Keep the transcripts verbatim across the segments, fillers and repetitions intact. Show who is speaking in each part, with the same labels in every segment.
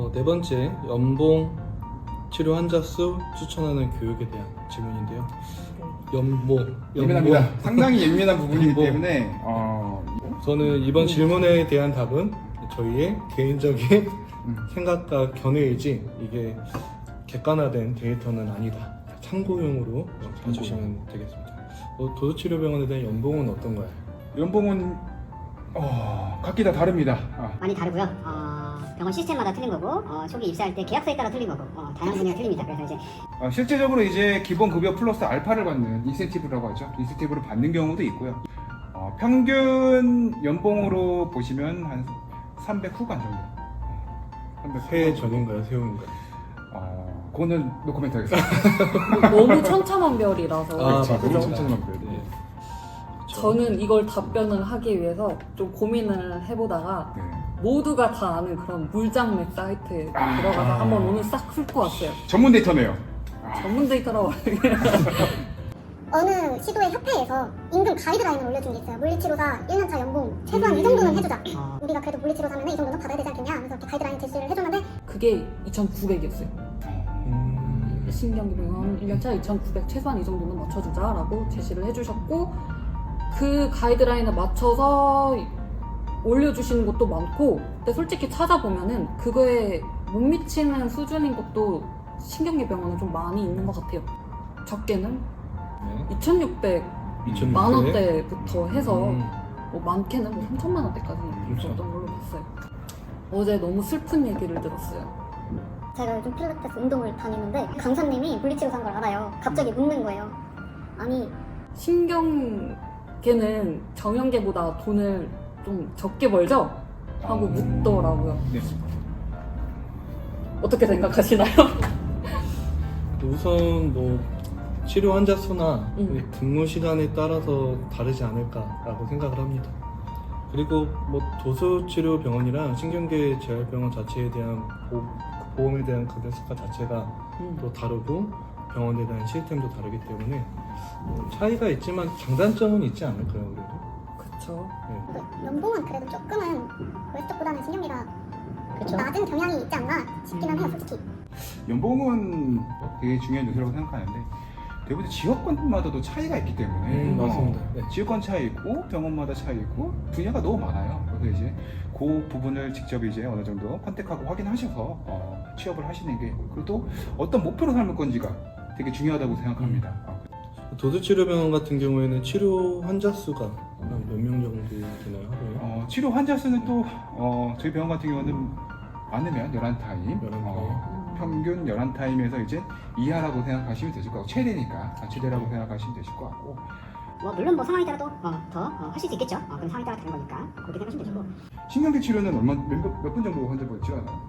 Speaker 1: 어, 네 번째, 연봉 치료 환자 수 추천하는 교육에 대한 질문인데요. 연봉,
Speaker 2: 예민합니다.
Speaker 1: 연봉.
Speaker 2: 상당히 예민한 부분이기
Speaker 1: 연봉.
Speaker 2: 때문에 어,
Speaker 1: 저는 이번 질문에 대한 답은 저희의 개인적인
Speaker 2: 음.
Speaker 1: 생각과 견해이지 이게 객관화된 데이터는 아니다. 참고용으로 봐주시면 되겠습니다. 어, 도수치료병원에 대한 연봉은 어떤가요?
Speaker 2: 연봉은 어, 각기 다 다릅니다. 아,
Speaker 3: 많이 다르고요. 어, 병원 시스템마다 틀린 거고 어, 초기 입사할 때 계약서에 따라 틀린 거고 어, 다양한 분야가 틀립니다. 그래서 이제
Speaker 2: 어, 실제적으로 이제 기본 급여 플러스 알파를 받는 인센티브라고 하죠. 인센티브를 받는 경우도 있고요. 어, 평균 연봉으로 보시면 한 삼백 후반 정도. 삼백
Speaker 1: 새
Speaker 2: 후반.
Speaker 1: 전인가요? 새우인가요?
Speaker 2: 어, 그거는 노코멘트 하겠습니다.
Speaker 4: 너무 천차만별이라서
Speaker 1: 아,
Speaker 2: 그렇죠.
Speaker 1: 맞죠.
Speaker 2: 너무 천천히만
Speaker 1: 네.
Speaker 4: 저는 이걸 답변을 하기 위해서 좀 고민을 해보다가
Speaker 2: 네.
Speaker 4: 모두가 다 아는 그런 물장맥 사이트에
Speaker 2: 아.
Speaker 4: 들어가서 한번 오늘 싹 훑고 왔어요.
Speaker 2: 전문 데이터네요.
Speaker 4: 전문 데이터라고
Speaker 5: 어느 시도의 협회에서 임금 가이드라인을 올려준 게 있어요. 물리치료사 일 년차 연봉 최소한 이 정도는 해주자.
Speaker 3: 어,
Speaker 5: 우리가 그래도 물리치료사면 이 정도는 받아야 되지 않겠냐 하면서 이렇게 가이드라인 제시를 해줬는데
Speaker 4: 그게 이천구백이었어요.
Speaker 1: 음,
Speaker 4: 신경기병원 일 년차 이천구백 최소한 이 정도는 맞춰주자라고 제시를 해주셨고 그 가이드라인에 맞춰서 올려주시는 것도 많고 근데 솔직히 찾아보면은 그거에 못 미치는 수준인 것도 신경기병원은 좀 많이 있는 것 같아요. 적게는
Speaker 1: 네.
Speaker 4: 이천육백
Speaker 1: 이천육백.
Speaker 4: 만 원대부터 해서
Speaker 1: 음,
Speaker 4: 뭐 많게는 뭐 삼천만 원대까지
Speaker 1: 그렇죠.
Speaker 4: 있었던 걸로 봤어요. 어제 너무 슬픈 얘기를 들었어요.
Speaker 5: 제가 요즘 필라테스 운동을 다니는데 강사님이 물리치료사인 걸 알아요. 갑자기 묻는 거예요. 아니
Speaker 4: 신경계는 정형계보다 돈을 좀 적게 벌죠? 하고
Speaker 2: 음.
Speaker 4: 묻더라고요.
Speaker 2: 네.
Speaker 4: 어떻게 생각하시나요?
Speaker 1: 우선 뭐 치료 환자 수나
Speaker 4: 음.
Speaker 1: 근무 시간에 따라서 다르지 않을까라고 생각을 합니다. 그리고 뭐 도수치료병원이랑 신경계 재활병원 자체에 대한 보, 보험에 대한 급여수가 자체가
Speaker 4: 음.
Speaker 1: 또 다르고 병원에 대한 시스템도 다르기 때문에 뭐 차이가 있지만 장단점은 있지 않을까요, 그래도?
Speaker 4: 그쵸.
Speaker 1: 네.
Speaker 5: 그 연봉은 그래도 조금은 웨스트보다는 신경비가
Speaker 3: 그쵸.
Speaker 5: 낮은 경향이 있지 않나 싶기는 해요, 솔직히.
Speaker 2: 연봉은 되게 중요한 요소라고 생각하는데 대부분 지역권마다도 차이가 있기 때문에
Speaker 1: 음, 맞습니다.
Speaker 2: 어,
Speaker 1: 네.
Speaker 2: 지역권 차이 있고 병원마다 차이 있고 분야가 너무 많아요. 그래서 이제 그 부분을 직접 이제 어느 정도 컨택하고 확인하셔서 어, 취업을 하시는 게 그리고 또 어떤 목표로 삼을 건지가 되게 중요하다고 생각합니다. 어.
Speaker 1: 도수치료병원 같은 경우에는 치료 환자 수가 몇 명 정도 되나요, 하루에?
Speaker 2: 어, 치료 환자 수는 또 어, 저희 병원 같은 경우는 많으면 열한 타임,
Speaker 1: 열한 타임.
Speaker 2: 어, 평균 열한 타임에서 이제 이하라고 생각하시면 되실 것 같고 최대니까 아, 최대라고 생각하시면 되실 것 같고
Speaker 3: 뭐 물론 뭐 상황에 따라 또 어, 더 어, 하실 수 있겠죠. 어, 그건 상황에 따라 다른 거니까 그렇게 생각하시면 되시고
Speaker 2: 신경계 치료는 얼마 몇 분 정도 환자분 치료하나요?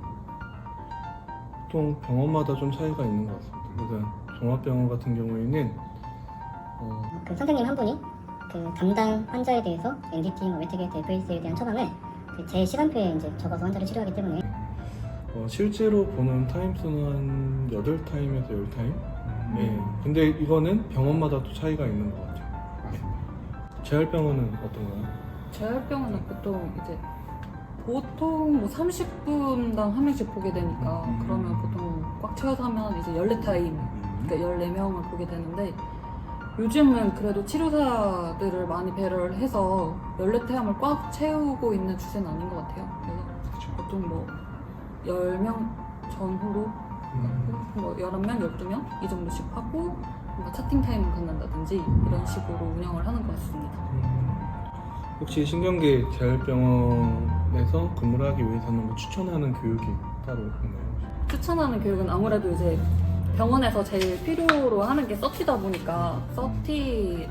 Speaker 1: 보통 병원마다 좀 차이가 있는 것 같습니다. 그래서 종합병원 같은 경우에는 어,
Speaker 3: 그 선생님 한 분이 그 담당 환자에 대해서 엔디티, 뭐 웨트게이트, 에프에이스에 대한 처방을 그 제 시간표에 이제 적어서 환자를 치료하기 때문에
Speaker 1: 어, 실제로 보는 타임 수는 한 여덟 타임에서 열 타임?
Speaker 2: 음.
Speaker 1: 네. 근데 이거는 병원마다 또 차이가 있는 것 같아요.
Speaker 2: 맞습니다.
Speaker 1: 재활병원은 어떤가요?
Speaker 4: 재활병원은 보통 이제 보통 뭐 삼십 분당 한 명씩 보게 되니까
Speaker 2: 음.
Speaker 4: 그러면 보통 꽉 채워서 하면 이제 열네 타임
Speaker 2: 음.
Speaker 4: 그러니까 열네 명을 보게 되는데 요즘은 그래도 치료사들을 많이 배려를 해서 열네 타임을 꽉 채우고 있는 추세는 아닌 것 같아요. 그래서
Speaker 2: 그렇죠.
Speaker 4: 보통 뭐 열 명 전후로
Speaker 1: 음.
Speaker 4: 뭐 열한 명, 열두 명 이 정도씩 하고 뭔가 차팅 타임을 갖는다든지 이런 식으로 운영을 하는 것 같습니다.
Speaker 1: 음. 혹시 신경계 재활병원에서 근무를 하기 위해서는 뭐 추천하는 교육이 따로 있나요?
Speaker 4: 추천하는 교육은 아무래도 이제 병원에서 제일 필요로 하는 게 서티다 보니까 서티를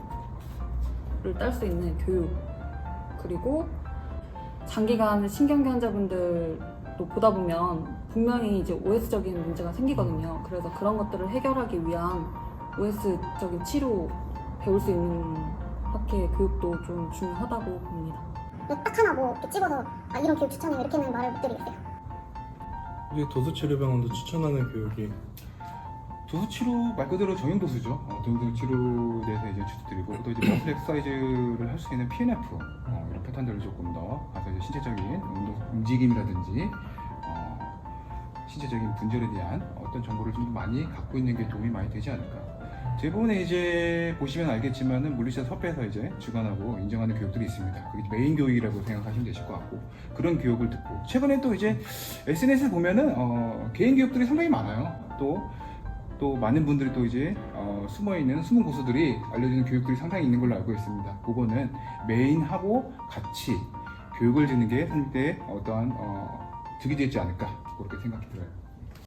Speaker 4: 딸 수 있는 교육 그리고 장기간 신경계 환자분들도 보다 보면 분명히 이제 오에스적인 문제가 생기거든요. 그래서 그런 것들을 해결하기 위한 오에스적인 치료 배울 수 있는 학회 교육도 좀 중요하다고 봅니다.
Speaker 5: 딱 하나 뭐 이렇게 찍어서 아 이런 교육 추천해요 이렇게는 말을 못 드리겠어요.
Speaker 1: 이게 도수치료병원도 추천하는 교육이
Speaker 2: 도수치료 말 그대로 정형도수죠. 어, 도수치료에 대해서 이제 추천드리고 또 이제 머슬 엑서사이즈를 할 수 있는 피엔에프 어, 이런 패턴들을 조금 더 가서 이제 신체적인 운동, 움직임이라든지 어, 신체적인 분절에 대한 어떤 정보를 좀 더 많이 갖고 있는 게 도움이 많이 되지 않을까. 대부분의 이제 보시면 알겠지만은 물리치료 협회에서 이제 주관하고 인정하는 교육들이 있습니다. 그게 메인 교육이라고 생각하시면 되실 것 같고, 그런 교육을 듣고 최근에 또 이제 에스엔에스를 보면은 어, 개인 교육들이 상당히 많아요. 또 또 많은 분들이 또 이제 어, 숨어있는 숨은 고수들이 알려주는 교육들이 상당히 있는 걸로 알고 있습니다. 그거는 메인하고 같이 교육을 듣는 게 선생님께 어떠한 어, 득이 되지 않을까 그렇게 생각이 들어요.